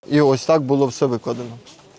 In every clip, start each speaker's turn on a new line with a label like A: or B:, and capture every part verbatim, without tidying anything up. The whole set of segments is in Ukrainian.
A: І ось так було все викладено.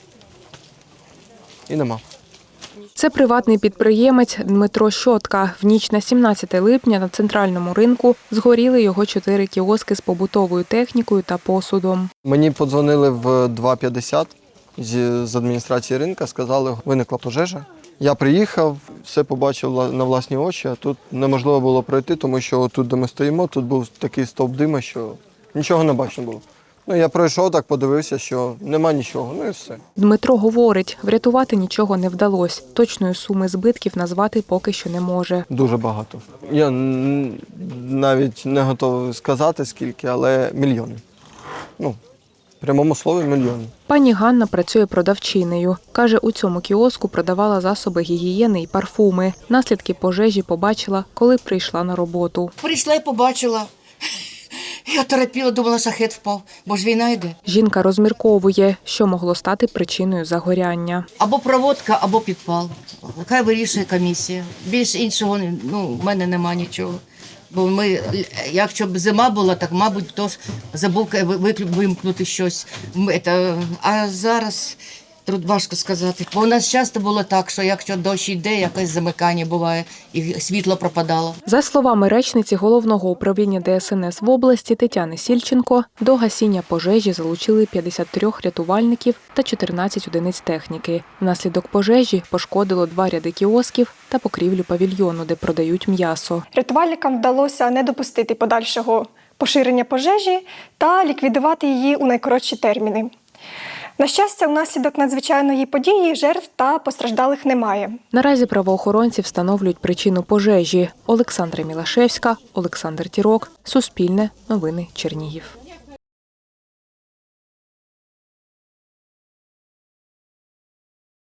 A: І нема.
B: Це приватний підприємець Дмитро Щотка. В ніч на сімнадцяте липня на центральному ринку згоріли його чотири кіоски з побутовою технікою та посудом.
A: Мені подзвонили в два п'ятдесят з, з адміністрації ринку, сказали, виникла пожежа. Я приїхав, все побачив на власні очі, а тут неможливо було пройти, тому що тут, де ми стоїмо, тут був такий стовп дима, що нічого не бачно було. Ну, я пройшов так, подивився, що нема нічого, ну і все.
B: Дмитро говорить, врятувати нічого не вдалося. Точної суми збитків назвати поки що не може.
A: Дуже багато. Я навіть не готовий сказати, скільки, але мільйони. Ну, в прямому слові мільйони.
B: Пані Ганна працює продавчинею. Каже, у цьому кіоску продавала засоби гігієни і парфуми. Наслідки пожежі побачила, коли прийшла на роботу.
C: Прийшла і побачила. Я терапіла, думала, шахет впав, бо ж війна йде.
B: Жінка розмірковує, що могло стати причиною загоряння.
C: Або проводка, або підпал. Хай вирішує комісія. Більш іншого, ну, в мене нема нічого. Бо ми, якщо б зима була, так, мабуть, хтось забув вимкнути щось. А зараз тут важко сказати. Бо у нас часто було так, що якщо дощ йде, якесь замикання буває, і світло пропадало.
B: За словами речниці Головного управління Де Ес Ен Ес в області Тетяни Сільченко, до гасіння пожежі залучили п'ятдесят три рятувальників та чотирнадцять одиниць техніки. Внаслідок пожежі пошкодило два ряди кіосків та покрівлю павільйону, де продають м'ясо.
D: Рятувальникам вдалося не допустити подальшого поширення пожежі та ліквідувати її у найкоротші терміни. На щастя, внаслідок надзвичайної події жертв та постраждалих немає.
B: Наразі правоохоронці встановлюють причину пожежі. Олександра Мілашевська, Олександр Тірок, Суспільне, Новини Чернігів.